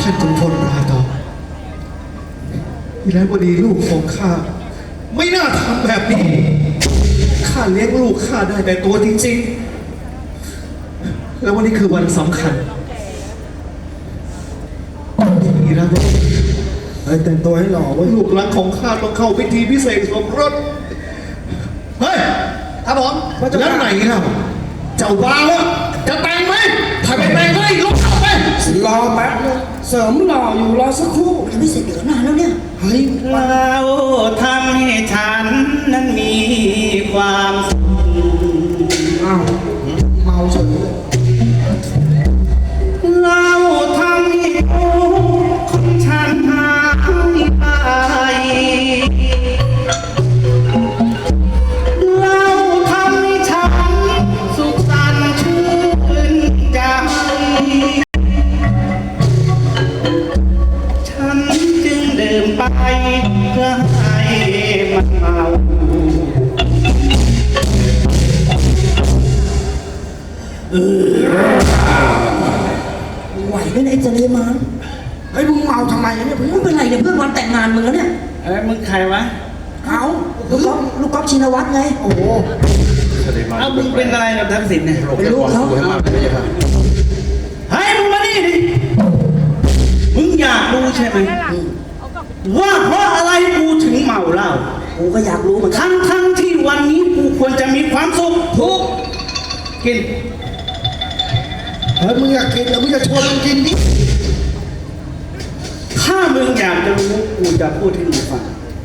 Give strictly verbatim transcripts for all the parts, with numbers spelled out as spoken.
านขุนพลราตองแล้ววันนี้ลูกของข้าไม่น่าทำแบบนี้ข้าเลี้ยงลูกข้าได้แต่ตัวจริงๆแล้ววันนี้คือวันสำคัญอีแล้วไอ้แต่งตัวให้หล่อไว้ลูกหลานของข้าต้องเข้าพิธีพิเศษสมรสเฮ้ยครับผมแล้วไหนเล่าเจ้าบ่าวจะแต่งไหมถ้าไม่แต่งก็ให้ลูกเอาไปรอแป๊บนึงเสริมหล่ออยู่รอสักครู่ยังไม่เสร็จเดี๋ยวนานแล้วเนี่ยเฮ้ยเราทำให้ฉันนั้นมีความสุขอ้าวเมาเฉยเลยเราทำให้คนฉันหายไปเราทำให้ฉันสุขสันต์ชื่นใจฉันจึงดื่มไปเพื่อให้มันเมาไหวไหมไอ้เจริญมานเฮ้ยมึงเมาทำไมเนี่ยเพื่อนไม่เป็นไรเนี่ยเพื่อนวันแต่งงานมึงแล้วเนี่ยเอ้ยมึงใครวะเอาลูกก๊อฟลูกก๊อฟชินวัตรไงโอ้โหเอามึงเป็นอะไรกับทักษิณเนี่ยเป็นลูกเขาเฮ้ยมึงมานี่ดิมึงอยากรู้ใช่ไหมว่าเพราะอะไรกูถึงเมาเหล้ากูก็อยากรู้เหมือนกันทั้งทั้งที่วันนี้กูควรจะมีความสุขทุกกินเฮ้ยมึงอยากกินแล้วมึงจะชวนมึงกินดิถ้ามึงอยากจะรู้กูจะพูดให้มึงฟัง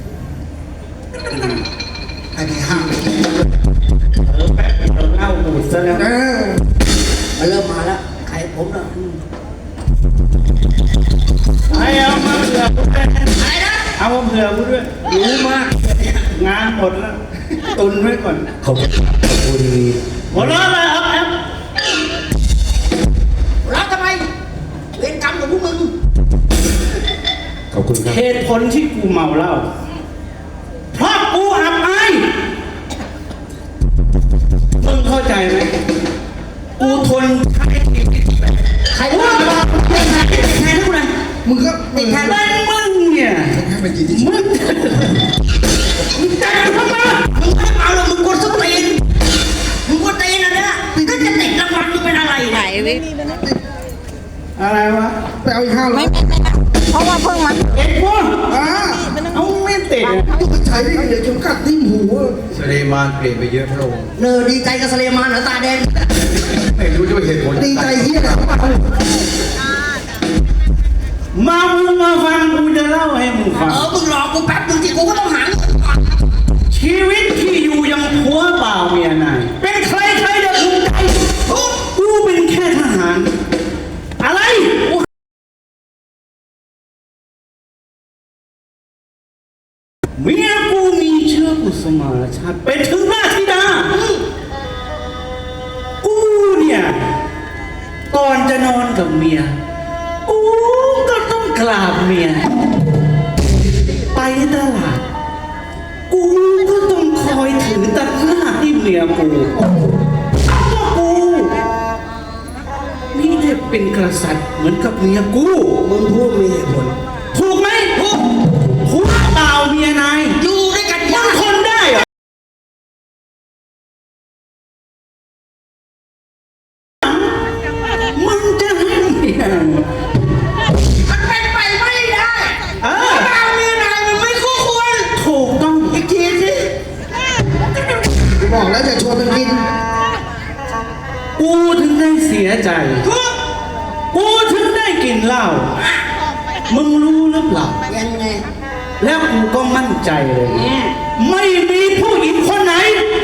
ไอ้ที่ห้ามไปกินเออแป๊บเราเล่าบูดซะแล้วเออมาเริ่มมาแล้วใครผมน่ะไอ้เอามาเผื่อกูด้วยอะไรนะเอามาเผื่อกูด้วยรู้มากงานหมดแล้วตุนไว้ก่อนขอบคุณหมดแล้วเลยครับแอปรับทำไมเวรกรรมของพวกมึงขอบคุณครับเหตุผลที่กูเมาเหล้าเพราะกูอับอายมึงเข้าใจไหมกูทนใช้ใครว่าติดแทนติดแทนทุกคนมึงก็ติดแทนมึงเนี่ยให้มันกินดิมึงมึงใจทำไมมึงไม่เมาหรอกมึงกดสตีนมึงกดตีนนะเนี่ยก็จะติดรางวัลมึงเป็นอะไรไหนวิอะไรวะไปเอาอีกห้าร้อยเพราะว่าเพิ่งมาเอ็ดพวกอ่าเอาไม่ติดมึงใช้ได้เดี๋ยวเข็มกัดทิ่มหูสเลมานเปลี่ยนไปเยอะพระองค์เนอดีใจกับสเลมานเหรอตาแดงไม่รู้ด้วยเหตุผลดีใจเฮียมามึงมาฟังกูจะเล่าให้มึงฟังเออมึงรอกูแป๊บนึงที่กูก็ต้องหาชีวิตที่อยู่ยังผัวเปล่าเมียนายเป็นใครใครจะภูมิใจกูเป็นแค่ทหารอะไรเมียกูมีเชื้อกุสมาชาติเป็นถึงราชธิดากูเนี่ยก่อนจะนอนกับเมียกูก็ต้องกราบเมียไปตลาดกูก็ต้องคอยถือตะกร้าที่เมียกูก็กูนี่ได้เป็นกษัตริย์เหมือนกับเมียกูมึงพูดมีเหตุผลถูกไหมถูกถูกเปล่าเมียนายอยู่ด้วยกันมึงทนได้เหรอมึงจะให้เมียมันเป็นไปไม่ได้เออเปล่าเมียนายมันไม่คู่ควรถูกต้องอีกทีสิกูบอกแล้วจะชวนมึงกินกูถึงได้เสียใจกูถึงได้กินเหล้ามึงรู้หรือเปล่ายังไงแล้วกูก็มั่นใจเลยไม่มีผู้หญิงคนไหน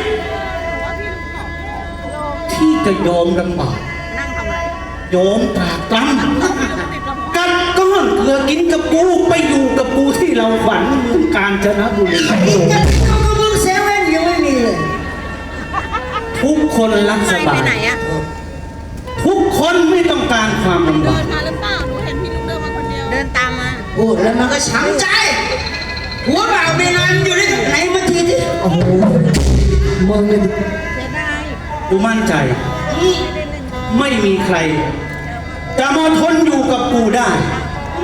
ที่จะยอมลำบากยอมตรากตรำกัดก้อนเกลือกินกับกูไปอยู่กับกูที่เราฝันเมืองกาญจนบุรีเขาก็มึงเซเว่นยังไม่มีเลยทุกคนรักสบายทุกคนไม่ต้องการความลำบากเดินมาหรือเปล่าหนูเห็นพี่ลุงเดินมาคนเดียวเดินตามมาพูดแล้วมันก็ช้ำใจหัวเปล่าเมียนายมันอยู่ด้วยกันไหนมาทีที่โอ้โหมึงเนี่ยเสียดายกูมั่นใจไม่มีใครจะมาทนอยู่กับกูได้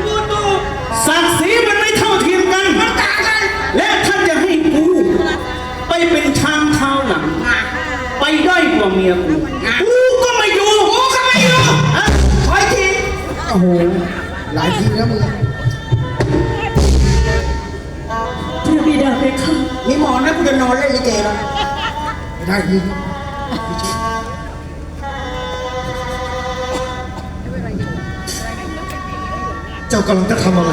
ศักดิ์ศรีมันไม่เท่าเทียมกันมันต่างกันและท่านจะให้กูไปเป็นชามเท้าหลัง ไปได้กว่าเมียกูกูก็ไม่อยู่กูก็ไม่อยู่อ่ะขออีกทีโอ้โห หลายทีแล้วมึงพระบิดาเพคะมีหมอนนะกูจะนอนเล่นลิเกแล้วไม่ได้ยิงเจ้ากำลังจะทำอะไร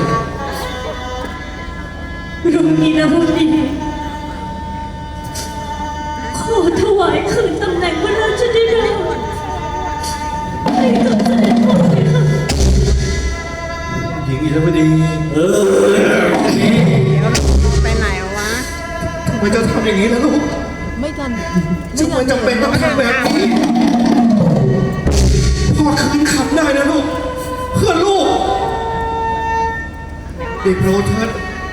รุ่งนี้นะรุ่งนี้ขอถวายคืนตำแหน่งพระราชธิดาให้กับเสด็จพ่อเพคะหญิงอิรวดีเออไปไหนวะทำไมเจ้าทำอย่างนี้ล่ะลูกไม่กันทำไมจำเป็นต้องทำแบบนี้พ่อคืนคำได้นะลูก เพื่อลูกเด็กโปรดเถิด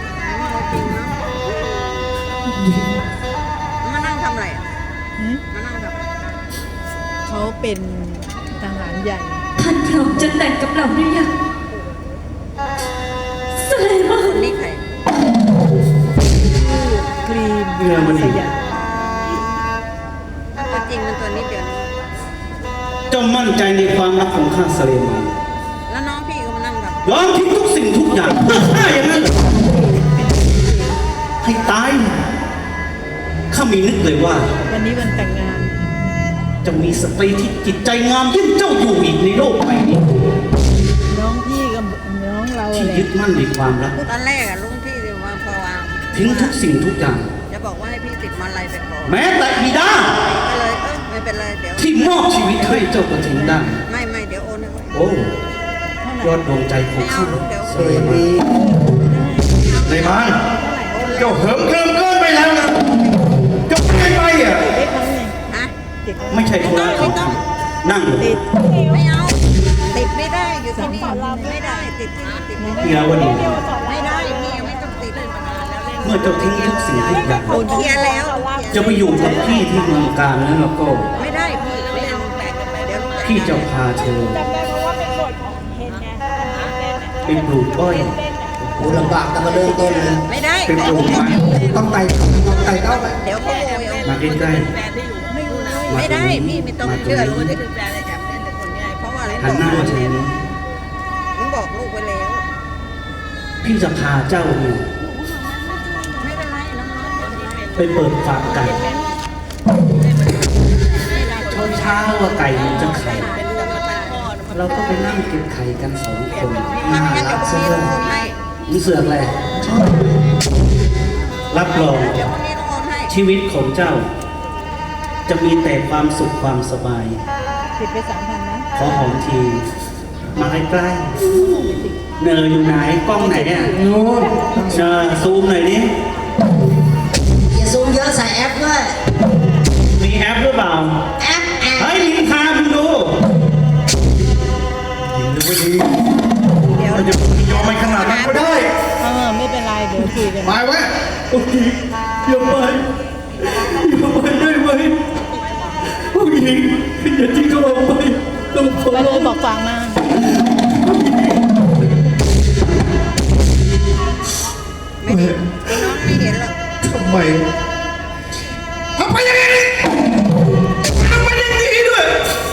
มานั่งทำอะไรอ่ะมานั่งทำอะไรเขาเป็นทหารใหญ่ ท่านพร้อมจะแต่งกับเราหรือยังเสด็จมาคนนี้ใครกรีมเรือมันสดียามตัวจริงมันตัวนี้เดียวนี้เจ้ามั่นใจในความรักของข้าสเลมานแล้วน้องพี่ก็มานั่งทำยอมทิ้งทุกสิ่งทุกอย่างเพื่อข้าอย่างนั้นเหรอให้ตายข้ามีนึกเลยว่าวันนี้วันแต่งงานจะมีสตรีที่จิตใจงามยิ่งเจ้าอยู่อีกในโลกใบนี้น้องพี่กับน้องเราที่อะไรยึดมั่นในความรักตอนแรกอะลุงพี่เดี๋ยวว่าพอวางทิ้งทุกสิ่งทุกอย่างจะบอกว่าให้พี่ติดมาลัยไปขอแม้แต่บิดาก็เลยเออไม่เป็นไรเดี๋ยวที่มอบชีวิตให้เจ้าก็ทิ้งได้ไม่ไม่เดี๋ยวโอนให้ไว้โอ้ยอดดวงใจของไม่เอาข้าลูกเดี๋ยวสเลมานเลยมันเจ้าเหิมเกินเกินไปแล้วนะเจ้าไม่ไปอ่ะเด็กเขาไงฮะเด็กไม่ใช่ธุระของข้านั่งลงติดไม่เอาติดไม่ได้อยู่ที่นี่ไม่ได้ติดที่นี่ติดไม่ได้เฮียวันนี้ไม่ได้พี่ยังไม่ต้องติดเมื่อเจ้าทิ้งทุกสิ่งทุกอย่างโอนเคลียร์แล้วจะไปอยู่กับพี่ที่เมืองการนั้นแล้วก็ไม่ได้พี่ไม่เอาแต่เดี๋ยวพี่จะพาเธอไปปลูกอ้อยกูลำบากแต่มาเริ่มต้นเลยไม่ได้เป็นปลูกไม้ต้องไต่ต้องไต่เต้าไปเดี๋ยวเขาโวยเอามาใกล้ไม่ได้พี่ไม่ต้องเชื่อรู้ได้คือแฟนอะไรจับเล่นแต่คนง่ายเพราะว่าอะไรๆหันหน้ามาทางนี้ผมบอกลูกไว้แล้วพี่จะพาเจ้าเนี่ยไม่เป็นไรน้องๆคนนี้เป็นไปเปิดฟาร์มไก่เช้าเช้าๆว่าไก่มันจะไข่เป็นกรรมการพ่อเราก็ไปนั่งเก็บไข่กันสองคนมัน่านงั้นรัเดี๋ยวกพรุ่งเสื้นี้อต้องโอนให้มึงเสือกอะไรรับรองเดี๋ยวพรุ่งนี้ต้องโอนให้ชีวิตของเจ้า จะมีแต่ความสุขความสบายติดไปสามพันนะขอหอมทีมาใกล้ๆเนออยู่ไหนกล้องไหนอ่ะนู้นเนอซูมหน่อยดิอย่าซูมเยอะใส่แอปด้วยมีแอปหรือเปล่าแอปแอปเฮ้ยลิงคาคุณดูหญิงอิรวดีเดี๋ยวเราจะยอมไปขนาดนั้นก็ได้เออไม่เป็นไรเดี๋ยวคุยกันไปไว้โอ้ยอย่าไปอย่าไปได้ไหมผู้หญิงอย่าทิ้งเขาเอาไปต้องขอไปร้เลองยบอกฟังมาไม่ดีน้องไม่เห็นหรอกทำไมทำไมอย่างนี้ทำไมอย่างนี้ด้วย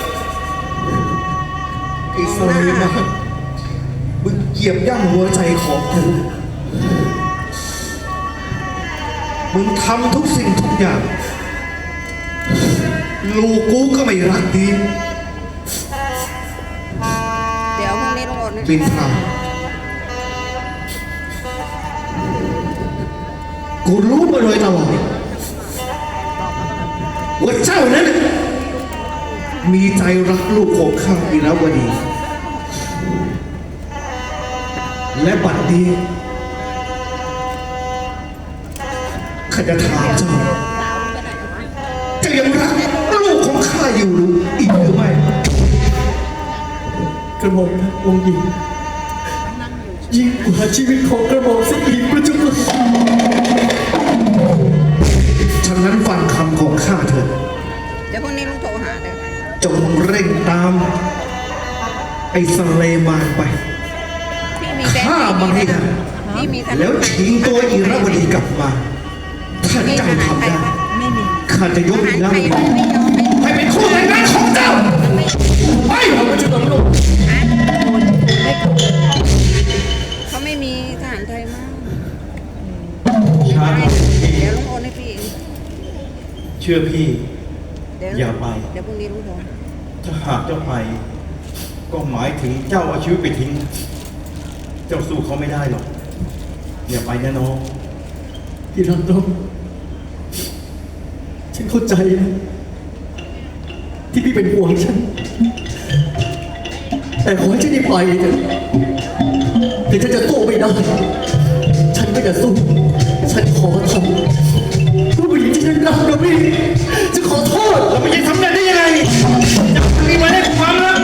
ไอ้สลีมามึงเหยียบย่ำหัวใจของกูมึงทำทุกสิ่งทุกอย่าง ลูกกูก็ไม่รักดีเดี๋ยวพรุ่งนี้ต้องโอนให้บินทางกูรู้มาโดยตลอดว่าเจ้านั้น มีใจรักลูกของข้าอีราวดี และบัดนี้ข้าจะถามเจ้าเจะยังรักลูกของข้าอยู่หรืออีกหรือไม่กระหม่อมนะองค์หญิงยิ่งกว่าชีวิตของกระหม่อมซะอีกพระเจ้าค่ะฉะนั้นฟังคำของข้าเถิดเดี๋ยวพรุ่งนี้ลุงโทรหาเดี๋ยวจงเร่งตาม ไอ้สเลมานไปพี่มีแบงค์ข้าามันให้ได้แล้วชิงตัวอิรวดีกลับมาถ้าเจ้าทำได้ข้าจะยกอิรวดีให้เป็นคู่แต่งงานของเจ้าไปเขาไม่มีทหารไทยมากช้าเดี๋ยวลุงโอนให้พี่เองเชื่อพี่เดี๋ยวอย่าไปเดี๋ยวพรุ่งนี้ลุงโอนถ้าหากเจ้าไป ก็หมายถึงเจ้าเอาชีวิตไปทิ้ง เจ้าสู้เขาไม่ได้หรอก อย่าไปนะน้องที่รักน้องฉันเข้าใจนะที่พี่เป็นห่วงฉัน แต่ขอให้ฉันได้ไปเถอะถึงฉันจะสู้ไม่ได้ ฉันก็จะสู้ ฉันขอทำผู้หญิงที่ฉันรักนะพี่จะขอโทษเราไม่ใช่ทำได้ได้ยังไงจะมีมาให้ความรัก